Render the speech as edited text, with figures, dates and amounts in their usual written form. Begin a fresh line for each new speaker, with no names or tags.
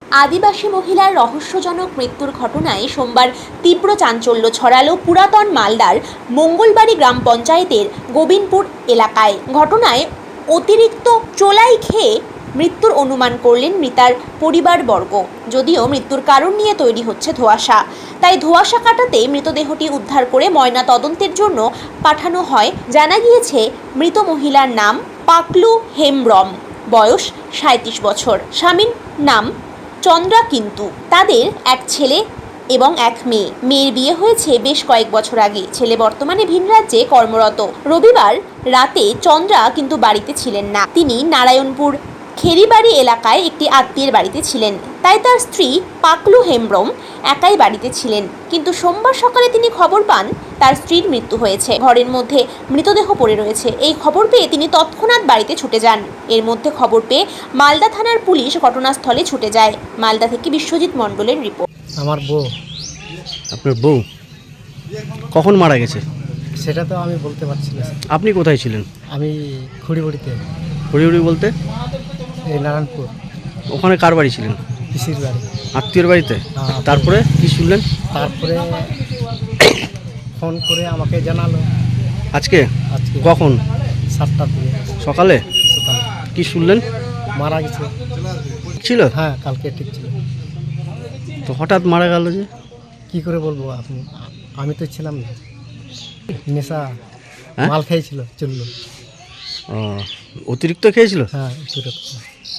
আদিবাসী মহিলার রহস্যজনক মৃত্যুর ঘটনায় সোমবার তীব্র চাঞ্চল্য ছড়ালো পুরাতন মালদার মঙ্গলবাড়ি গ্রাম পঞ্চায়েতের গোবিন্দপুর এলাকায়। ঘটনায় অতিরিক্ত চোলাই খেয়ে মৃত্যুর অনুমান করলেন মৃতার পরিবারবর্গ। যদিও মৃত্যুর কারণ নিয়ে তৈরি হচ্ছে ধোঁয়াশা, তাই ধোঁয়াশা কাটাতে মৃতদেহটি উদ্ধার করে ময়না তদন্তের জন্য পাঠানো হয়। জানা গিয়েছে মৃত মহিলার নাম পাকলু হেমব্রম, বয়স 37 বছর। স্বামীর নাম চন্দ্রা। কিন্তু তাদের এক ছেলে এবং এক মেয়ে। মেয়ের বিয়ে হয়েছে বেশ কয়েক বছর আগে। ছেলে বর্তমানে ভিন রাজ্যে কর্মরত। রবিবার রাতে চন্দ্রা কিন্তু বাড়িতে ছিলেন না। তিনি নারায়ণপুর খেরিবাড়ি এলাকায় একটি আত্মীয়ের বাড়িতে ছিলেন, তাই তার স্ত্রী পাকলু হেমব্রম একাই বাড়িতে ছিলেন। কিন্তু সোমবার সকালে তিনি খবর পান তার স্ত্রীর মৃত্যু হয়েছে, ঘরের মধ্যে মৃতদেহ পড়ে রয়েছে। এই খবর পেয়ে তিনি তৎক্ষণাৎ বাড়িতে ছুটে যান। এর মধ্যে খবর পেয়ে মালদা থানার পুলিশ ঘটনাস্থলে ছুটে যায়। মালদা থেকে বিশ্বজিৎ মণ্ডলের রিপোর্ট।
আমার বউ।
আপনার বউ কখন মারা গেছে
সেটা তো আমি বলতে পারছি না।
আপনি কোথায় ছিলেন?
আমি খুঁড়িবড়িতে,
হরিহরি বলতে
এই নারায়ণপুর,
ওখানে কার বাড়ি ছিলেন?
পিসির বাড়ি।
আত্মীয়ের বাড়িতে?
হ্যাঁ।
তারপরে কি শুনলেন?
তারপরে ফোন করে আমাকে জানালো
আজকে
আজকে
কখন?
7টার দিকে
সকালে?
সকালে
কি শুনলেন?
মারা গেছে।
ছিল?
হ্যাঁ, কালকে ঠিক ছিল।
তো হঠাৎ মারা গেল যে?
কি করে বলবো আপনি, আমি তো ছিলাম না। নেশা
হ্যাঁ?
মাল খেয়েছিল, চললো।
অতিরিক্ত খেয়েছিল?
হ্যাঁ, একটু